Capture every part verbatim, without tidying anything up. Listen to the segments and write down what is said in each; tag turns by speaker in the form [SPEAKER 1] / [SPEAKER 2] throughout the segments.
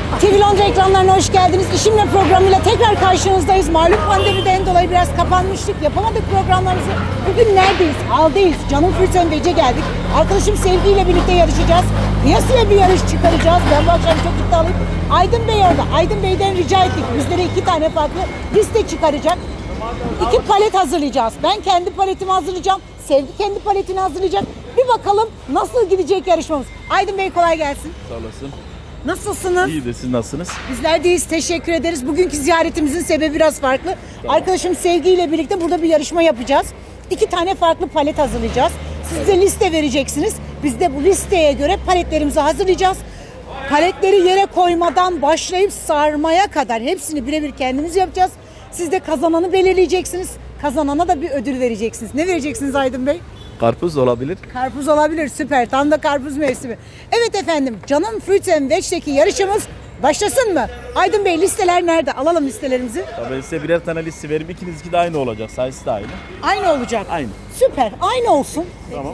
[SPEAKER 1] T V Londra ekranlarına hoş geldiniz. İşimle programıyla tekrar karşınızdayız. Malum pandemiden dolayı biraz kapanmıştık. Yapamadık programlarımızı. Bugün neredeyiz? Haldeyiz. Canım Fırtön Bece geldik. Arkadaşım Sevgi ile birlikte yarışacağız. Kıyasıya bir yarış çıkaracağız. Ben bu akşam çok iddialıyım. Aydın Bey orada. Aydın Bey'den rica ettik. Bizlere iki tane farklı liste çıkaracak. İki palet hazırlayacağız. Ben kendi paletimi hazırlayacağım. Sevgi kendi paletini hazırlayacak. Bir bakalım nasıl gidecek yarışmamız. Aydın Bey kolay gelsin.
[SPEAKER 2] Sağ olasın.
[SPEAKER 1] Nasılsınız?
[SPEAKER 2] İyi de siz nasılsınız?
[SPEAKER 1] Bizler deyiz. Teşekkür ederiz. Bugünkü ziyaretimizin sebebi biraz farklı.
[SPEAKER 2] Tamam.
[SPEAKER 1] Arkadaşım Sevgi ile birlikte burada bir yarışma yapacağız. İki tane farklı palet hazırlayacağız. Siz de liste vereceksiniz. Biz de bu listeye göre paletlerimizi hazırlayacağız. Paletleri yere koymadan başlayıp sarmaya kadar hepsini birebir kendimiz yapacağız. Siz de kazananı belirleyeceksiniz. Kazanana da bir ödül vereceksiniz. Ne vereceksiniz Aydın Bey?
[SPEAKER 2] Karpuz olabilir.
[SPEAKER 1] Karpuz olabilir. Süper. Tam da karpuz mevsimi. Evet efendim. Canım Fruits and Veg'deki yarışımız başlasın mı? Aydın Bey listeler nerede? Alalım listelerimizi.
[SPEAKER 2] Ya ben size birer tane liste verip ikinizinki de aynı olacak. Sayısı da aynı.
[SPEAKER 1] Aynı olacak.
[SPEAKER 2] Aynı.
[SPEAKER 1] Süper. Aynı olsun.
[SPEAKER 2] Tamam.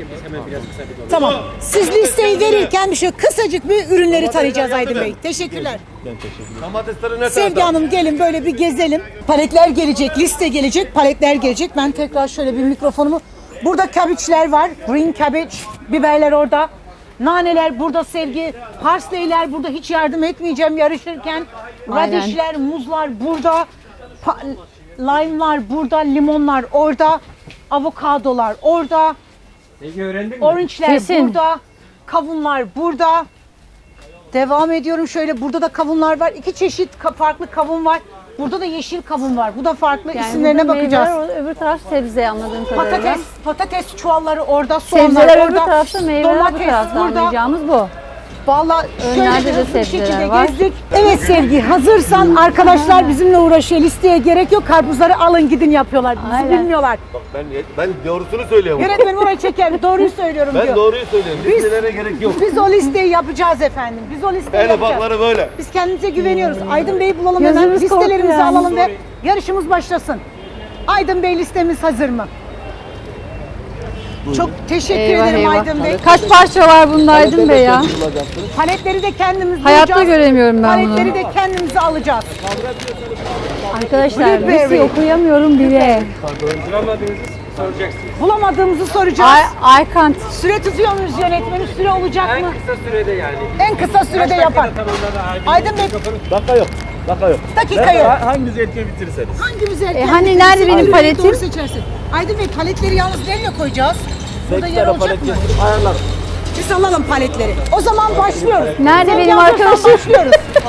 [SPEAKER 1] Tamam. Siz listeyi verirken bir şey kısacık bir ürünleri tarayacağız Aydın Bey. Teşekkürler.
[SPEAKER 2] Ben teşekkür ederim.
[SPEAKER 3] Domatesleri ne
[SPEAKER 1] Sevgi
[SPEAKER 3] kadar?
[SPEAKER 1] Hanım gelin böyle bir gezelim. Paletler gelecek, liste gelecek, paletler gelecek. Ben tekrar şöyle bir mikrofonumu... Burada kabiçler var. Green cabbage, biberler orada. Naneler burada Sevgi. Parsleyler burada, hiç yardım etmeyeceğim yarışırken.
[SPEAKER 4] Aynen.
[SPEAKER 1] Radişler, muzlar burada. Pa- lime'lar burada, limonlar orada. Avokadolar orada.
[SPEAKER 3] Peki öğrendin mi?
[SPEAKER 1] Orange'ler
[SPEAKER 4] Kesin.
[SPEAKER 1] burada. Kavunlar burada. Devam ediyorum şöyle, burada da kavunlar var. İki çeşit ka- farklı kavun var. Burada da yeşil kavun var. Bu da farklı.
[SPEAKER 4] Yani
[SPEAKER 1] İsimlerine
[SPEAKER 4] burada
[SPEAKER 1] bakacağız.
[SPEAKER 4] meyveler, öbür taraf sebze anladığım kadarıyla.
[SPEAKER 1] Patates, patates çuvalları orada, soğanlar
[SPEAKER 4] Sebzeler
[SPEAKER 1] orada.
[SPEAKER 4] öbür tarafta, meyveler bu
[SPEAKER 1] domates
[SPEAKER 4] tarafta
[SPEAKER 1] burada.
[SPEAKER 4] anlayacağımız bu.
[SPEAKER 1] Vallahi şöyle
[SPEAKER 4] Önlerde
[SPEAKER 1] bir
[SPEAKER 4] de
[SPEAKER 1] hızlı bir
[SPEAKER 4] sebzeler
[SPEAKER 1] şekilde
[SPEAKER 4] var.
[SPEAKER 1] gezdik. Evet Sevgi, hazırsan arkadaşlar bizimle uğraşıyor. Listeye gerek yok. Karpuzları alın gidin yapıyorlar. Bizi
[SPEAKER 4] Aynen.
[SPEAKER 1] bilmiyorlar.
[SPEAKER 3] Bak ben ben doğrusunu söylüyorum.
[SPEAKER 1] Yönetmenim orayı çeker. Doğruyu söylüyorum
[SPEAKER 3] Ben
[SPEAKER 1] diyor.
[SPEAKER 3] doğruyu söylüyorum.
[SPEAKER 1] Biz-
[SPEAKER 3] Listelere gerek yok.
[SPEAKER 1] Biz o listeyi yapacağız efendim. Biz o listeyi
[SPEAKER 3] En
[SPEAKER 1] yapacağız.
[SPEAKER 3] ufakları böyle.
[SPEAKER 1] Biz kendimize güveniyoruz. Aydın Bey'i bulalım hemen.
[SPEAKER 4] Gözümüz
[SPEAKER 1] Listelerimizi
[SPEAKER 4] korktu yani.
[SPEAKER 1] alalım ve yarışımız başlasın. Aydın Bey listemiz hazır mı? Çok teşekkür
[SPEAKER 4] Eyvah
[SPEAKER 1] ederim
[SPEAKER 4] eyvah.
[SPEAKER 1] Aydın Bey.
[SPEAKER 4] Kaç parça var bunda Aydın Bey ya?
[SPEAKER 1] Paletleri de kendimiz
[SPEAKER 4] Hayatta
[SPEAKER 1] bulacağız.
[SPEAKER 4] göremiyorum ben
[SPEAKER 1] Paletleri
[SPEAKER 4] bunu.
[SPEAKER 1] de kendimize alacağız.
[SPEAKER 4] Arkadaşlar
[SPEAKER 1] Blueberry.
[SPEAKER 4] listeyi okuyamıyorum bile.
[SPEAKER 1] Bulamadığımızı soracağız.
[SPEAKER 4] I, I can't.
[SPEAKER 1] Süre tutuyor muyuz yönetmenim? Süre olacak mı?
[SPEAKER 5] En kısa sürede yani.
[SPEAKER 1] En kısa sürede yapar. Aydın Bey
[SPEAKER 2] Dakika yok. Dakika yok.
[SPEAKER 1] Dakika
[SPEAKER 2] Ben
[SPEAKER 1] yok.
[SPEAKER 2] ha- Hanginizi erken bitirirseniz.
[SPEAKER 1] Hangimiz erken?
[SPEAKER 4] E, hani
[SPEAKER 1] bitirirse
[SPEAKER 4] nerede benim
[SPEAKER 1] Aydın Bey
[SPEAKER 4] paletim?
[SPEAKER 1] Doğru seçersin. Aydın Bey paletleri yalnız nereye koyacağız? Burada
[SPEAKER 2] Sekiz
[SPEAKER 1] yer
[SPEAKER 2] tane
[SPEAKER 1] olacak
[SPEAKER 2] palet
[SPEAKER 1] mı?
[SPEAKER 2] getirip ayarlarım.
[SPEAKER 1] Biz alalım paletleri. O zaman başlıyoruz.
[SPEAKER 4] Nerede
[SPEAKER 1] Sevgi
[SPEAKER 4] benim
[SPEAKER 1] hazırsan
[SPEAKER 4] arkadaşım?
[SPEAKER 1] Başlıyoruz.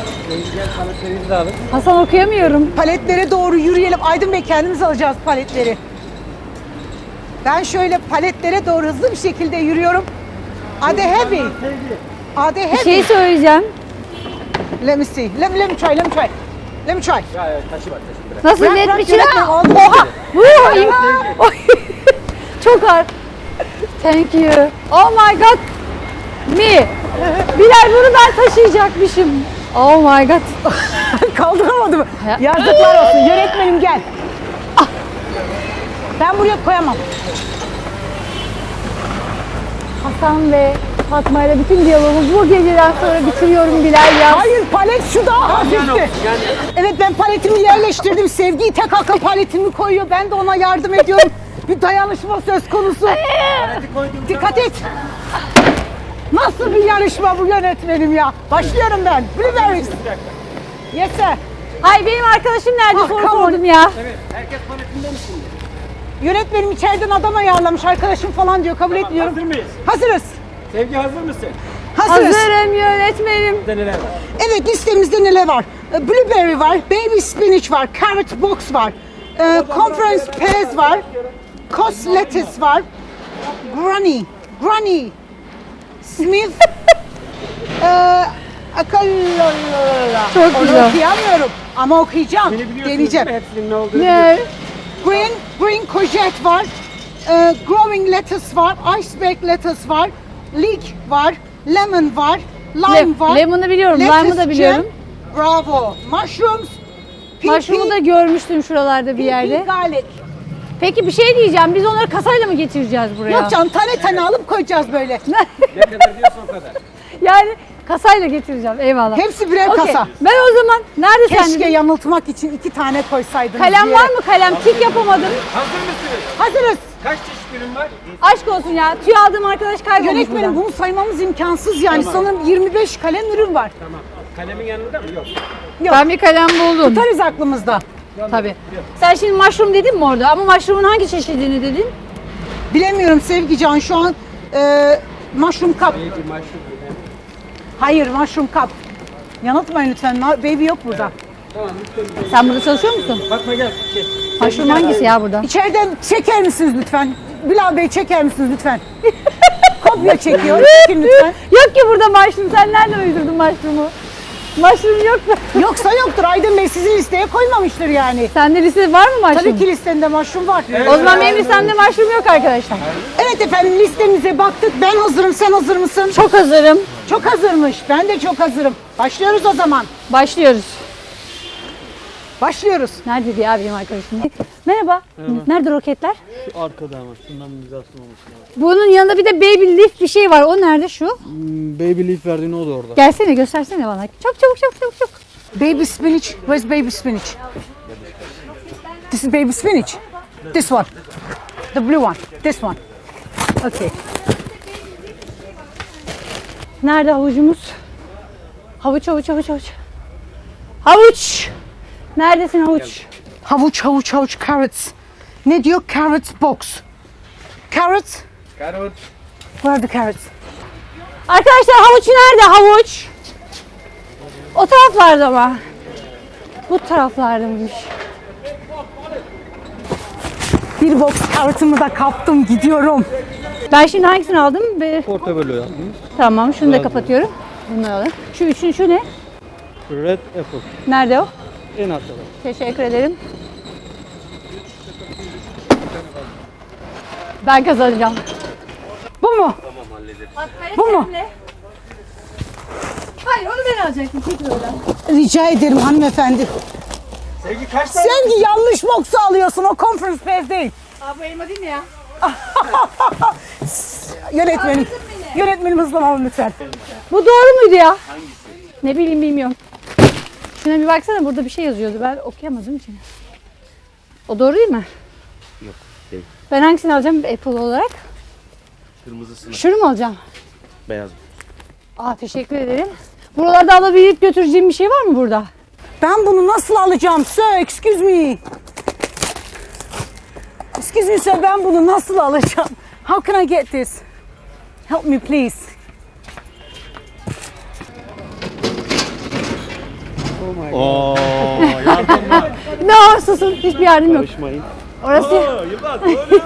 [SPEAKER 4] Hasan okuyamıyorum.
[SPEAKER 1] Paletlere doğru yürüyelim. Aydın Bey kendimiz alacağız paletleri. Ben şöyle paletlere doğru hızlı bir şekilde yürüyorum. Are they heavy? Are they
[SPEAKER 4] Bir
[SPEAKER 1] heavy?
[SPEAKER 4] şey söyleyeceğim.
[SPEAKER 1] Let me see. Let me, let me try. Let me try. Let me try.
[SPEAKER 4] Nasıl
[SPEAKER 1] Bırak,
[SPEAKER 4] net
[SPEAKER 1] bırak,
[SPEAKER 4] bir şey?
[SPEAKER 1] yönetmenim, oldu.
[SPEAKER 4] Oha! Vuh! Oy. Çok ağır. Thank you. Oh my god. Me. Bilal bunu ben taşıyacakmışım. Oh my god.
[SPEAKER 1] Kaldıramadım.
[SPEAKER 4] Ya-
[SPEAKER 1] Yazıklar olsun. Yönetmenim gel. Ah. Ben buraya koyamam.
[SPEAKER 4] Hasan ve Fatma ile bütün diyalogumu bu geceden sonra bitiriyorum Bilal ya.
[SPEAKER 1] Hayır, palet şu daha hafifti. Evet, ben paletimi yerleştirdim. Sevgi tek akıl paletimi koyuyor. Ben de ona yardım ediyorum. Bir dayanışma söz konusu. Dikkat et. Nasıl bir yarışma bu yönetmenim ya? Başlıyorum ben. Blueberries. Yes sir.
[SPEAKER 4] Hay benim arkadaşım nerede
[SPEAKER 1] Ah,
[SPEAKER 4] soru
[SPEAKER 1] come on.
[SPEAKER 4] sordum ya.
[SPEAKER 5] Herkes paletinde mi şimdi?
[SPEAKER 1] Yönetmenim içeriden adam ayarlamış. Arkadaşım falan diyor. Kabul etmiyorum.
[SPEAKER 5] Hazır mıyız?
[SPEAKER 1] Hazırız.
[SPEAKER 5] Sevgi hazır mısın?
[SPEAKER 1] Hazırız.
[SPEAKER 4] Hazırım yönetmenim.
[SPEAKER 5] Burada neler var?
[SPEAKER 1] Evet, listemizde neler var? Ee, Blueberry var, baby spinach var, carrot box var, e, conference pears var, cos lettuce var, granny, granny, smith, e, akallolala.
[SPEAKER 4] Çok
[SPEAKER 1] Onu
[SPEAKER 4] güzel.
[SPEAKER 1] okuyamıyorum ama okuyacağım,
[SPEAKER 5] Beni biliyorsunuz
[SPEAKER 1] deneyeceğim.
[SPEAKER 5] değil mi? Hepsinin ne olduğunu
[SPEAKER 4] Ne?
[SPEAKER 1] Green, green courgette var, e, growing lettuce var, iceberg lettuce var, leek var, lemon var, lime
[SPEAKER 4] Le-
[SPEAKER 1] var.
[SPEAKER 4] lemon'u biliyorum,
[SPEAKER 1] lettuce
[SPEAKER 4] lime'ı da biliyorum.
[SPEAKER 1] jam, bravo. Mushrooms, pea
[SPEAKER 4] Mushroom'u da görmüştüm şuralarda bir yerde.
[SPEAKER 1] garlic.
[SPEAKER 4] Peki bir şey diyeceğim. Biz onları kasayla mı getireceğiz buraya?
[SPEAKER 1] Yok canım, tane tane alıp koyacağız böyle.
[SPEAKER 5] ne kadar diyorsa o kadar.
[SPEAKER 4] Yani kasayla getireceğim. Eyvallah.
[SPEAKER 1] Hepsi birer
[SPEAKER 4] Okey.
[SPEAKER 1] kasa.
[SPEAKER 4] Ben o zaman nerede
[SPEAKER 1] Keşke
[SPEAKER 4] sende?
[SPEAKER 1] yanıltmak için iki tane koysaydınız.
[SPEAKER 4] Kalem
[SPEAKER 1] bir
[SPEAKER 4] var
[SPEAKER 1] yere.
[SPEAKER 4] mı kalem? Tik yapamadım.
[SPEAKER 5] Hazır mısınız?
[SPEAKER 1] Hazırız.
[SPEAKER 5] Kaç çeşit ürün var?
[SPEAKER 4] Aşk olsun ya. Tüy aldığım arkadaş kaybolmuş
[SPEAKER 1] Yönetmenim
[SPEAKER 4] buradan.
[SPEAKER 1] bunu saymamız imkansız yani. Sanırım yirmi beş kalem ürün var.
[SPEAKER 5] Tamam. Kalemin yanında mı? Yok.
[SPEAKER 4] Ben bir kalem buldum.
[SPEAKER 1] Tutarız aklımızda.
[SPEAKER 4] Tabii. Sen şimdi mushroom dedin mi orada? Ama mushroom'un hangi çeşidini dedin?
[SPEAKER 1] Bilemiyorum Sevgican şu an e, mushroom cup.
[SPEAKER 5] Bir maşhur.
[SPEAKER 1] Hayır mushroom cup. Yanıltmayın lütfen. Ma- Baby yok burada.
[SPEAKER 5] Tamam. Lütfen.
[SPEAKER 4] Sen burada çalışıyor musun?
[SPEAKER 5] Bakma gel. Şey.
[SPEAKER 4] Mushroom hangisi ya burada?
[SPEAKER 1] İçeriden çeker misiniz lütfen? Bilal Bey çeker misiniz lütfen? Kopya çekiyor. Çekin lütfen.
[SPEAKER 4] Yok ki burada mushroom. Sen nereden uydurdun mushroom'u? Mushroom yok mu?
[SPEAKER 1] Yoksa yoktur. Aydın Bey sizin listeye koymamıştır yani.
[SPEAKER 4] Sende liste var mı mushroom?
[SPEAKER 1] Tabii ki listende mushroom var.
[SPEAKER 4] O zaman benim listemde mushroom yok arkadaşlar.
[SPEAKER 1] Evet efendim listemize baktık. Ben hazırım. Sen hazır mısın?
[SPEAKER 4] Çok hazırım.
[SPEAKER 1] Çok hazırmış. Ben de çok hazırım. Başlıyoruz o zaman.
[SPEAKER 4] Başlıyoruz.
[SPEAKER 1] Başlıyoruz.
[SPEAKER 4] Nerede ya benim arkadaşım? Merhaba. Nerede roketler?
[SPEAKER 2] Şu arkada ama şundan bir güzel sunulmuş.
[SPEAKER 4] Bunun yanında bir de baby leaf bir şey var. O nerede şu?
[SPEAKER 2] Baby leaf verdiğin o da orada.
[SPEAKER 4] Gelsene göstersene bana. Çok çabuk çabuk çabuk çabuk.
[SPEAKER 1] Baby spinach. Where's baby spinach? This is baby spinach. This one. The blue one. This one. Okay.
[SPEAKER 4] Nerede havucumuz? Havuç havuç havuç havuç. Havuç. Neredesin havuç?
[SPEAKER 1] Havuç, havuç, havuç, carrots. Ne diyor? Carrots box. Carrots.
[SPEAKER 5] Karot.
[SPEAKER 1] Where are the carrots?
[SPEAKER 4] Arkadaşlar havuç nerede havuç? O taraflarda mı? Bu taraflardaymış.
[SPEAKER 1] Bir box carrot'ımı da kaptım. Gidiyorum.
[SPEAKER 4] Ben şimdi hangisini aldım? Bir...
[SPEAKER 2] Portobello yaptınız.
[SPEAKER 4] Tamam şunu da kapatıyorum. Bunları alayım. Şu üçün şu ne?
[SPEAKER 2] Red apple.
[SPEAKER 4] Nerede o?
[SPEAKER 2] En altta.
[SPEAKER 4] Teşekkür ederim. Ben kazanacağım.
[SPEAKER 1] Bu mu? Bu mu?
[SPEAKER 4] Hayır onu ben alacaktım. Çekil oradan.
[SPEAKER 1] Rica ederim hanımefendi.
[SPEAKER 5] Sevgi kaç tane?
[SPEAKER 1] Sen yanlış box'u alıyorsun. O conference pass değil.
[SPEAKER 4] Aa bu elma değil mi ya?
[SPEAKER 1] Yönetmenim. Yönetmenim hızlanalım lütfen.
[SPEAKER 4] Bu doğru muydu ya? Hangisi? Ne bileyim bilmiyorum. Şuna bir baksana burada bir şey yazıyordu. Ben okuyamadım için. O doğru değil mi?
[SPEAKER 2] Yok, değil.
[SPEAKER 4] Ben hangisini alacağım Apple olarak?
[SPEAKER 2] Kırmızısını.
[SPEAKER 4] Şunu mu alacağım?
[SPEAKER 2] Beyaz.
[SPEAKER 4] Aa teşekkür ederim. Buralarda alabilip götüreceğim bir şey var mı burada?
[SPEAKER 1] Ben bunu nasıl alacağım? Sir, excuse me. Excuse me sir, ben bunu nasıl alacağım? How can I get this? Help me please.
[SPEAKER 2] Oo, yardım var.
[SPEAKER 4] No susun hiçbir yardım yok.
[SPEAKER 2] Karışmayın.
[SPEAKER 4] Orası.
[SPEAKER 2] Yılmaz,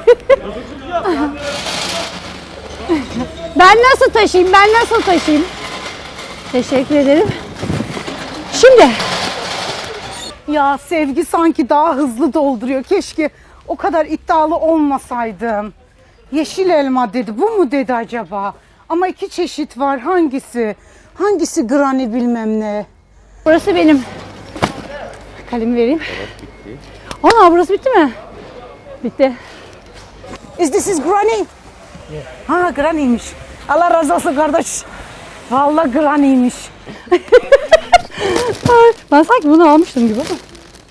[SPEAKER 4] Ben nasıl taşıyayım? Ben nasıl taşıyayım? Teşekkür ederim. Şimdi
[SPEAKER 1] Ya Sevgi sanki daha hızlı dolduruyor. Keşke o kadar iddialı olmasaydım. Yeşil elma dedi. Bu mu dedi acaba? Ama iki çeşit var. Hangisi? Hangisi granny bilmem ne?
[SPEAKER 4] burası benim. Kalemi vereyim. Ana burası bitti mi? Bitti.
[SPEAKER 1] Is this is granny? Ha granny'miş. Allah razı olsun kardeş. Vallahi granny'miş.
[SPEAKER 4] Ay, ben sanki bunu almıştım gibi ama.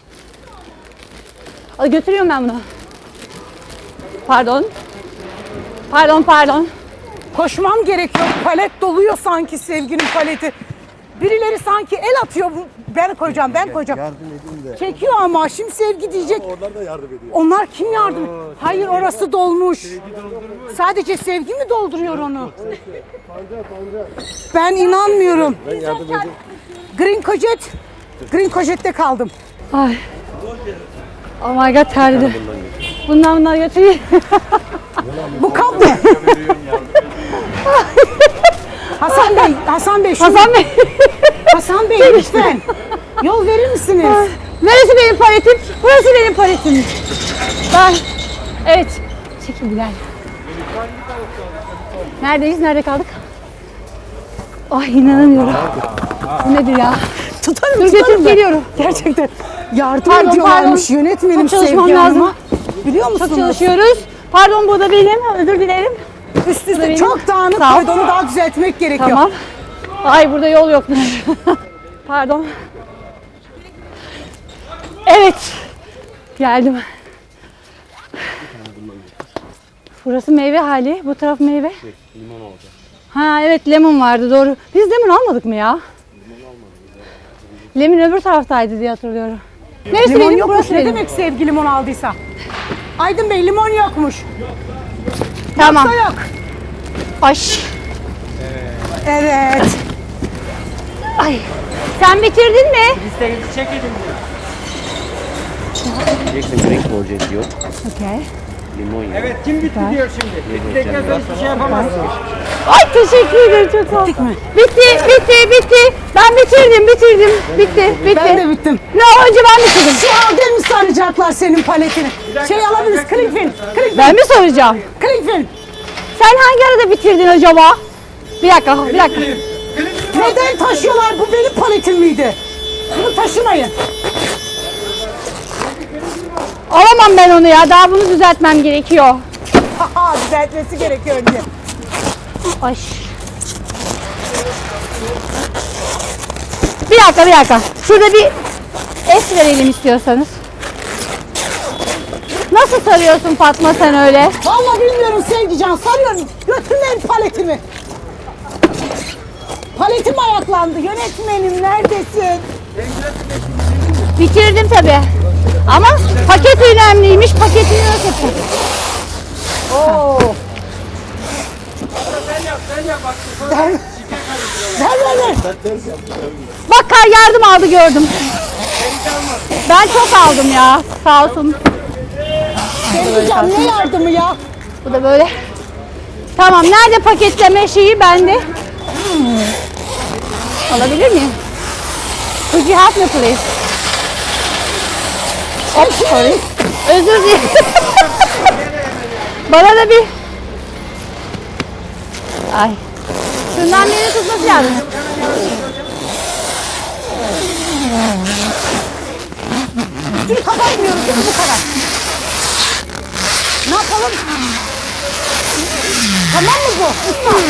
[SPEAKER 4] Hadi götürüyorum ben bunu. Pardon. Pardon pardon.
[SPEAKER 1] Koşmam gerekiyor. Palet doluyor sanki Sevgi'nin paleti. Birileri sanki el atıyor. Ben koyacağım, ben koyacağım.
[SPEAKER 3] Yardım edin de.
[SPEAKER 1] Çekiyor ama şimdi Sevgi diyecek.
[SPEAKER 3] Onlar da yardım ediyor.
[SPEAKER 1] Onlar kim yardım? Hayır orası dolmuş. Sadece Sevgi mi dolduruyor onu? Ben inanmıyorum.
[SPEAKER 3] Ben yardım edeyim.
[SPEAKER 1] Green Cojet. Green Cojet'te kaldım.
[SPEAKER 4] Ay. Oh my god terledi. Bundan bundan götüreyim.
[SPEAKER 1] Bu kap ne? Hasan Bey, Hasan Bey, şu-
[SPEAKER 4] Hasan Bey.
[SPEAKER 1] Hasan Bey lütfen. Yol verir misiniz?
[SPEAKER 4] Neresi benim paletim? Burası benim paletim. Ben. Evet. Çekil Bilal. Neredeyiz? Nerede kaldık? Ay inanamıyorum. Bu nedir ya?
[SPEAKER 1] Tutarım,
[SPEAKER 4] Dur
[SPEAKER 1] tutarım
[SPEAKER 4] götürüp
[SPEAKER 1] ben.
[SPEAKER 4] geliyorum.
[SPEAKER 1] Gerçekten yardım
[SPEAKER 4] Pardon,
[SPEAKER 1] ediyorlarmış
[SPEAKER 4] pardon.
[SPEAKER 1] yönetmenim
[SPEAKER 4] Çok çalışmam
[SPEAKER 1] Sevgi
[SPEAKER 4] lazım.
[SPEAKER 1] Hanım'a. Biliyor musunuz?
[SPEAKER 4] Çok çalışıyoruz. Pardon bu da benim. Özür dilerim.
[SPEAKER 1] Üst
[SPEAKER 4] Bu da
[SPEAKER 1] üste
[SPEAKER 4] benim.
[SPEAKER 1] çok dağınık
[SPEAKER 4] Sağ ol.
[SPEAKER 1] koydu. Onu daha düzeltmek gerekiyor.
[SPEAKER 4] Tamam. Ay burada yol yokmuş. Pardon. Evet. Geldim. Burası meyve hali. Bu taraf meyve.
[SPEAKER 3] Limon olacak.
[SPEAKER 4] Ha evet lemon vardı doğru. Biz lemon almadık mı ya? Lemon öbür taraftaydı diye hatırlıyorum. Neresi
[SPEAKER 1] Limon
[SPEAKER 4] benim?
[SPEAKER 1] yokmuş.
[SPEAKER 4] Burası
[SPEAKER 1] Ne
[SPEAKER 4] benim.
[SPEAKER 1] demek sevgi limon aldıysa? Aydın Bey limon yokmuş.
[SPEAKER 4] Tamam.
[SPEAKER 1] Da yok.
[SPEAKER 4] Ay.
[SPEAKER 1] Evet.
[SPEAKER 4] Ay. Sen bitirdin mi?
[SPEAKER 5] Listenizi çekelim diyor.
[SPEAKER 3] Diyeceksin renk olacak diyor.
[SPEAKER 4] Okey.
[SPEAKER 3] Limon ya.
[SPEAKER 5] Evet kim bitti diyor şimdi. Bittikten sonra hiçbir şey yapamazsın.
[SPEAKER 4] Ay teşekkür ederim çok sağ ol.
[SPEAKER 1] Bittik mi?
[SPEAKER 4] Bitti, bitti, bitti. Ben bitirdim, bitirdim. Bitti, bitti.
[SPEAKER 1] Ben de bittim.
[SPEAKER 4] Ne önce ben bitirdim.
[SPEAKER 1] Şu halde mi saracaklar senin paletini? Şey alabiliriz. Cling film. Cling film.
[SPEAKER 4] Ben mi soracağım?
[SPEAKER 1] Cling film.
[SPEAKER 4] Sen hangi arada bitirdin acaba? Bir dakika, bir dakika.
[SPEAKER 1] Neden taşıyorlar? Bu benim paletim miydi? Bunu taşımayın.
[SPEAKER 4] Alamam ben onu ya. Daha bunu düzeltmem gerekiyor.
[SPEAKER 1] Haha düzeltmesi gerekiyor önce.
[SPEAKER 4] Ay. Bir dakika, bir dakika. Şurada bir es verelim istiyorsanız. Nasıl sarıyorsun Fatma sen öyle?
[SPEAKER 1] Vallahi bilmiyorum Sevgican. Sarıyorum. Götürmeyin paletimi. Paletim ayaklandı. Yönetmenim neredesin?
[SPEAKER 4] Bitirdim tabii. Ama paket önemliymiş. Paketini nasıl yapayım?
[SPEAKER 1] Oo.
[SPEAKER 5] Sen yap sen yap bak.
[SPEAKER 1] Ver ver ver.
[SPEAKER 4] Bak kar yardım aldı gördüm. Ben çok aldım ya. Sağ olsun.
[SPEAKER 1] Sevgican ne yardımı ya?
[SPEAKER 4] Bu da böyle. Tamam nerede paketleme şeyi bende? Alabilir miyim? Could you help me please? Hop, sorry. Özür dilerim. Bana da bir... Ay. Şundan beni tutması lazım.
[SPEAKER 1] Üstünü kapatmıyoruz değil mi bu kadar? Ne yapalım? Tamam mı bu? Usta.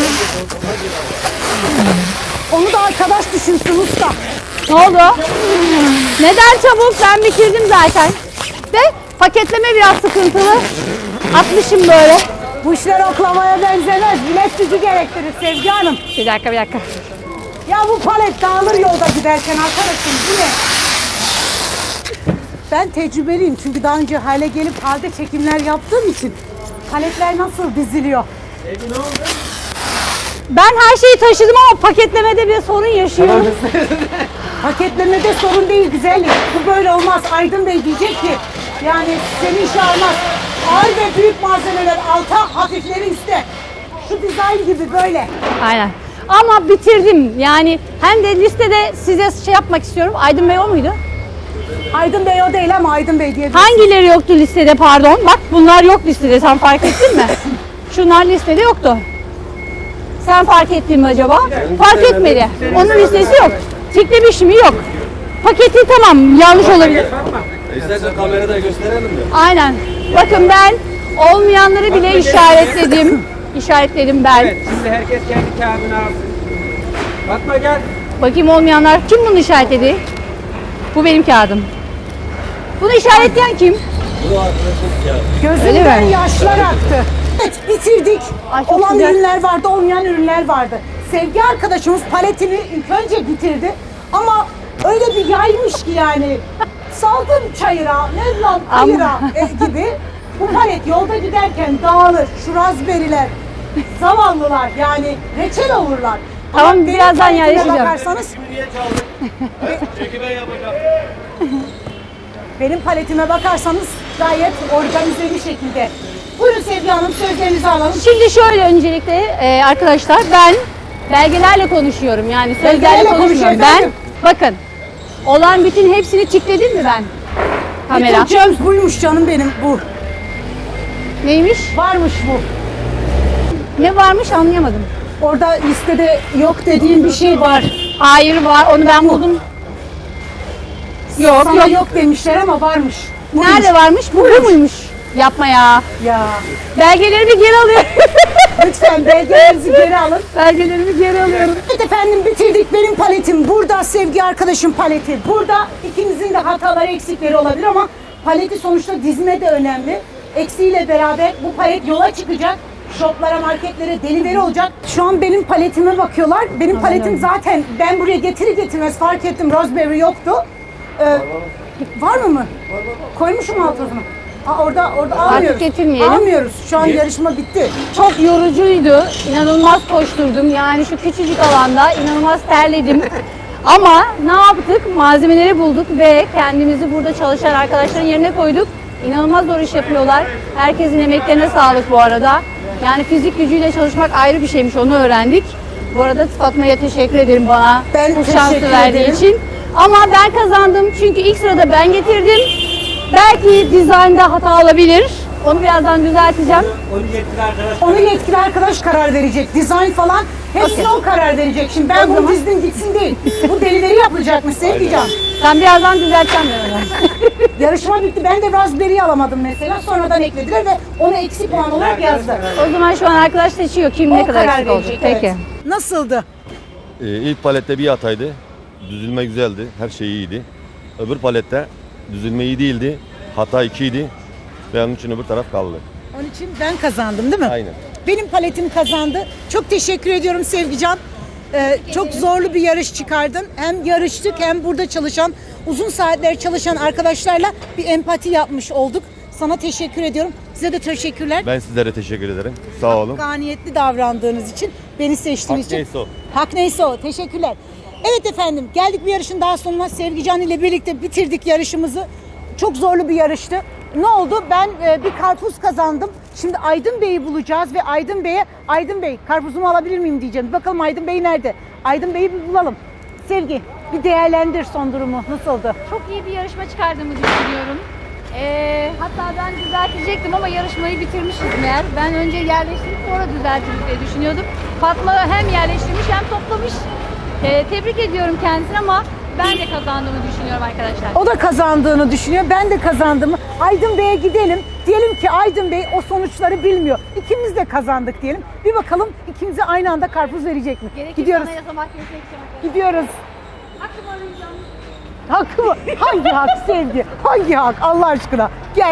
[SPEAKER 1] Onu da arkadaş düşünsün usta.
[SPEAKER 4] Ne oldu? Neden çabuk? Ben bitirdim zaten. De paketleme biraz sıkıntılı. Atmışım böyle.
[SPEAKER 1] Bu işler oklamaya benzemez. Bilet gücü gerektirir Sevgi Hanım.
[SPEAKER 4] Bir dakika bir dakika.
[SPEAKER 1] Ya bu palet dağılır yolda giderken arkadaşım değil mi? Ben tecrübeliyim çünkü daha önce hale gelip halde çekimler yaptığım için paletler nasıl diziliyor?
[SPEAKER 4] Ben her şeyi taşıdım ama paketlemede bir sorun yaşıyorum.
[SPEAKER 1] Paketlemede sorun değil güzellik. Bu böyle olmaz. Aydın Bey diyecek ki yani seni işe almaz. Ağır ve büyük malzemeler alta, hafifleri üstte. Şu dizayn gibi böyle.
[SPEAKER 4] Aynen. Ama bitirdim. Yani hem de listede size şey yapmak istiyorum. Aydın Bey o muydu?
[SPEAKER 1] Aydın Bey o değil ama Aydın Bey diye.
[SPEAKER 4] Hangileri yoktu listede pardon? Bak bunlar yok listede. Sen fark ettin mi? Şunlar listede yoktu. Sen fark ettin mi acaba? Fark etmedi. Onun listesi yok. Tiklemiş mi? Yok. Paketi tamam. Yanlış olabilir.
[SPEAKER 3] İstersen kamerada gösterelim mi?
[SPEAKER 4] Aynen. Bakın ben olmayanları bile işaretledim. İşaretledim ben.
[SPEAKER 5] Evet şimdi herkes kendi kağıdını alsın. Fatma gel.
[SPEAKER 4] Bakayım olmayanlar. Kim bunu işaretledi? Bu benim kağıdım. Bunu işaretleyen kim?
[SPEAKER 1] Gözümden
[SPEAKER 4] Öyle mi?
[SPEAKER 1] yaşlar aktı. Evet bitirdik.
[SPEAKER 4] Ay, çok
[SPEAKER 1] Olan
[SPEAKER 4] güzel.
[SPEAKER 1] ürünler vardı, olmayan ürünler vardı. Sevgi arkadaşımız paletini ilk önce bitirdi. Ama öyle bir yaymış ki yani. Saldım çayıra, ne lan kayıra e, gibi. Bu palet yolda giderken dağılır. Şu razberiler, zavallılar yani reçel olurlar.
[SPEAKER 4] Tamam,
[SPEAKER 1] Ama benim
[SPEAKER 4] birazdan
[SPEAKER 1] paletime
[SPEAKER 4] yerleşeceğim.
[SPEAKER 1] bakarsanız
[SPEAKER 3] Çekime yapacağım.
[SPEAKER 1] benim paletime bakarsanız gayet organize bir şekilde. Buyurun Sevgi Hanım sözlerinizi alalım.
[SPEAKER 4] Şimdi şöyle öncelikle e, arkadaşlar ben belgelerle konuşuyorum. Yani sözlerle
[SPEAKER 1] Belgelerle
[SPEAKER 4] konuşmuyorum.
[SPEAKER 1] konuşuyor
[SPEAKER 4] Ben
[SPEAKER 1] efendim.
[SPEAKER 4] bakın olan bütün hepsini tikledim mi ben? Kamera.
[SPEAKER 1] Bütün buymuş canım benim bu.
[SPEAKER 4] Neymiş?
[SPEAKER 1] Varmış bu.
[SPEAKER 4] Ne varmış anlayamadım.
[SPEAKER 1] Orada listede yok dediğin bir şey var.
[SPEAKER 4] Hayır var onu ben buldum. Yok
[SPEAKER 1] Sana
[SPEAKER 4] yok.
[SPEAKER 1] yok demişler ama varmış. Buymuş.
[SPEAKER 4] Nerede varmış? Bu, bu muymuş? Yapma ya.
[SPEAKER 1] Ya.
[SPEAKER 4] Belgelerimi geri alıyorum.
[SPEAKER 1] Lütfen belgelerinizi geri alın.
[SPEAKER 4] Belgelerimi geri alıyorum.
[SPEAKER 1] Evet efendim bitirdik. Benim paletim burada. Sevgi arkadaşım paleti burada. İkinizin de hataları eksikleri olabilir ama paleti sonuçta dizme de önemli. Eksiğiyle beraber bu palet yola çıkacak. Shoplara, marketlere delivery olacak. Şu an benim paletime bakıyorlar. Benim paletim zaten ben buraya getiri getirmez fark ettim. Raspberry yoktu. Ee, var mı mı? Koymuşum altına. Aa, orada orada almıyoruz.
[SPEAKER 4] getirmeyelim.
[SPEAKER 1] Almıyoruz. Şu an yarışma bitti.
[SPEAKER 4] Çok yorucuydu. İnanılmaz koşturdum. Yani şu küçücük alanda inanılmaz terledim. Ama ne yaptık? Malzemeleri bulduk ve kendimizi burada çalışan arkadaşların yerine koyduk. İnanılmaz zor iş yapıyorlar. Herkesin emeklerine sağlık bu arada. Yani fizik gücüyle çalışmak ayrı bir şeymiş, onu öğrendik. Bu arada Fatma'ya teşekkür ederim bana
[SPEAKER 1] Ben
[SPEAKER 4] bu şansı
[SPEAKER 1] teşekkür
[SPEAKER 4] verdiği
[SPEAKER 1] ederim.
[SPEAKER 4] için. Ama ben kazandım çünkü ilk sırada ben getirdim. Belki dizaynda hata olabilir. Onu birazdan düzelteceğim.
[SPEAKER 5] Onu yetkili arkadaş.
[SPEAKER 1] Onu yetkili arkadaş karar verecek. Dizayn falan hepsine o karar verecek. Şimdi ben bunu dizdim gitsin değil. Bu delivery yapılacakmış Sevgican.
[SPEAKER 4] Ben birazdan düzelteceğim yani.
[SPEAKER 1] Yarışma bitti. Ben de Raspberry'i alamadım mesela. Sonradan eklediler ve onu eksi puan olarak yazdı.
[SPEAKER 4] O zaman şu an arkadaş seçiyor kim
[SPEAKER 1] O
[SPEAKER 4] ne kadar
[SPEAKER 1] karar
[SPEAKER 4] eksik olacak.
[SPEAKER 1] verecek.
[SPEAKER 4] Peki.
[SPEAKER 1] Evet. Nasıldı?
[SPEAKER 6] Ee, ilk palette bir hataydı. Düzülme güzeldi. Her şey iyiydi. Öbür palette düzülme iyi değildi. Hata ikiydi. Ve onun için öbür taraf kaldı.
[SPEAKER 1] Onun için ben kazandım değil mi?
[SPEAKER 6] Aynen.
[SPEAKER 1] Benim paletim kazandı. Çok teşekkür ediyorum Sevgican. Ee, çok zorlu bir yarış çıkardın. Hem yarıştık hem burada çalışan, uzun saatler çalışan arkadaşlarla bir empati yapmış olduk. Sana teşekkür ediyorum. Size de teşekkürler.
[SPEAKER 6] Ben sizlere teşekkür ederim. Sağ olun.
[SPEAKER 1] Hakkaniyetli davrandığınız için, beni seçtiğiniz
[SPEAKER 6] Hak
[SPEAKER 1] için.
[SPEAKER 6] neyse o.
[SPEAKER 1] Hak neyse o. Teşekkürler. Evet efendim, geldik bir yarışın daha sonuna. Sevgican ile birlikte bitirdik yarışımızı. Çok zorlu bir yarıştı. Ne oldu? Ben e, bir karpuz kazandım. Şimdi Aydın Bey'i bulacağız ve Aydın Bey'e, Aydın Bey karpuzumu alabilir miyim diyeceğim. Bir bakalım Aydın Bey nerede? Aydın Bey'i bir bulalım. Sevgi, bir değerlendir son durumu. Nasıldı?
[SPEAKER 4] Çok iyi bir yarışma çıkardığımı düşünüyorum. Ee, hatta ben düzeltecektim ama yarışmayı bitirmişiz meğer. Ben önce yerleştirip sonra düzeltiriz diye düşünüyordum. Fatma hem yerleştirmiş hem toplamış. Ee, tebrik ediyorum kendisini ama ben de kazandığımı düşünüyorum arkadaşlar.
[SPEAKER 1] O da kazandığını düşünüyor. Ben de kazandığımı. Aydın Bey'e gidelim. Diyelim ki Aydın Bey o sonuçları bilmiyor. İkimiz de kazandık diyelim. Bir bakalım ikimize aynı anda karpuz verecek mi?
[SPEAKER 4] Gerekirse
[SPEAKER 1] Gidiyoruz.
[SPEAKER 4] anayasa mahkemesine gideceğim arkadaşlar.
[SPEAKER 1] Gidiyoruz.
[SPEAKER 4] Hakkımı arayacağım.
[SPEAKER 1] Hak mı? Hangi hak Sevgi? Hangi hak? Allah aşkına. Gel.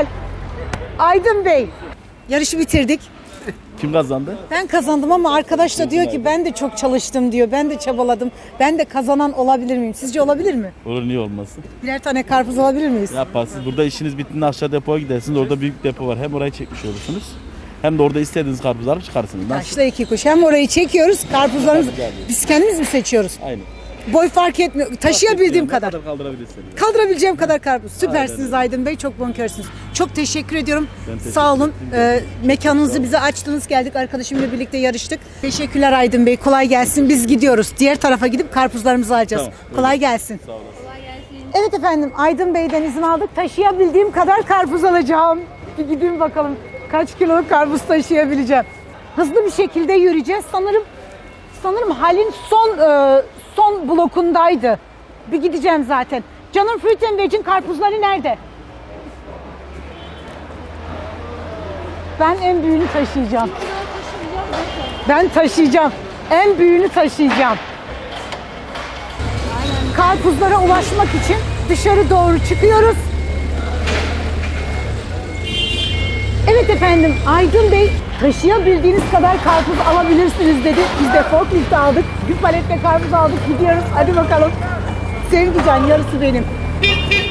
[SPEAKER 1] Aydın Bey. Yarışı bitirdik.
[SPEAKER 2] Kim kazandı?
[SPEAKER 1] Ben kazandım ama arkadaş da diyor ki ben de çok çalıştım diyor. Ben de çabaladım. Ben de kazanan olabilir miyim? Sizce olabilir mi?
[SPEAKER 2] Olur, niye olmasın?
[SPEAKER 1] Birer tane karpuz alabilir miyiz?
[SPEAKER 2] Yaparsınız. Burada işiniz bittiğinde aşağı depoya gidersiniz. Orada büyük depo var. Hem orayı çekmiş olursunuz. Hem de orada istediğiniz karpuzları alıp çıkarsınız. Nasıl?
[SPEAKER 1] Taşla iki kuş. Hem orayı çekiyoruz, karpuzlarımızı
[SPEAKER 2] Tabii, tabii.
[SPEAKER 1] biz kendimiz mi seçiyoruz?
[SPEAKER 2] Aynen.
[SPEAKER 1] Boy fark etmiyor. Taşıyabildiğim
[SPEAKER 2] Ne
[SPEAKER 1] kadar.
[SPEAKER 2] kadar kaldırabilirsiniz.
[SPEAKER 1] Kaldırabileceğim kadar karpuz. Süpersiniz
[SPEAKER 2] Aynen.
[SPEAKER 1] Aydın Bey. Çok bonkörsünüz. Çok teşekkür ediyorum.
[SPEAKER 2] Ben teşekkür
[SPEAKER 1] Sağ olun.
[SPEAKER 2] ederim.
[SPEAKER 1] Ee, mekanınızı bize açtınız. Geldik arkadaşımla birlikte yarıştık. Teşekkürler Aydın Bey. Kolay gelsin. Biz gidiyoruz. Diğer tarafa gidip karpuzlarımızı alacağız.
[SPEAKER 2] Tamam,
[SPEAKER 1] Kolay gelsin.
[SPEAKER 2] Sağ olun.
[SPEAKER 1] Evet efendim, Aydın Bey'den izin aldık. Taşıyabildiğim kadar karpuz alacağım. Bir gideyim bakalım kaç kiloluk karpuz taşıyabileceğim. Hızlı bir şekilde yürüyeceğiz. Sanırım sanırım halin son e, son blokundaydı. Bir gideceğim zaten. Canım Fruit and Veg'in karpuzları nerede? Ben en büyüğünü taşıyacağım. Ben taşıyacağım. En büyüğünü taşıyacağım. Karpuzlara ulaşmak için dışarı doğru çıkıyoruz. Evet efendim, Aydın Bey taşıyabildiğiniz kadar karpuz alabilirsiniz dedi. Biz de forklift aldık. Bir paletle karpuz aldık, gidiyoruz. Hadi bakalım. Sevgican, yarısı benim.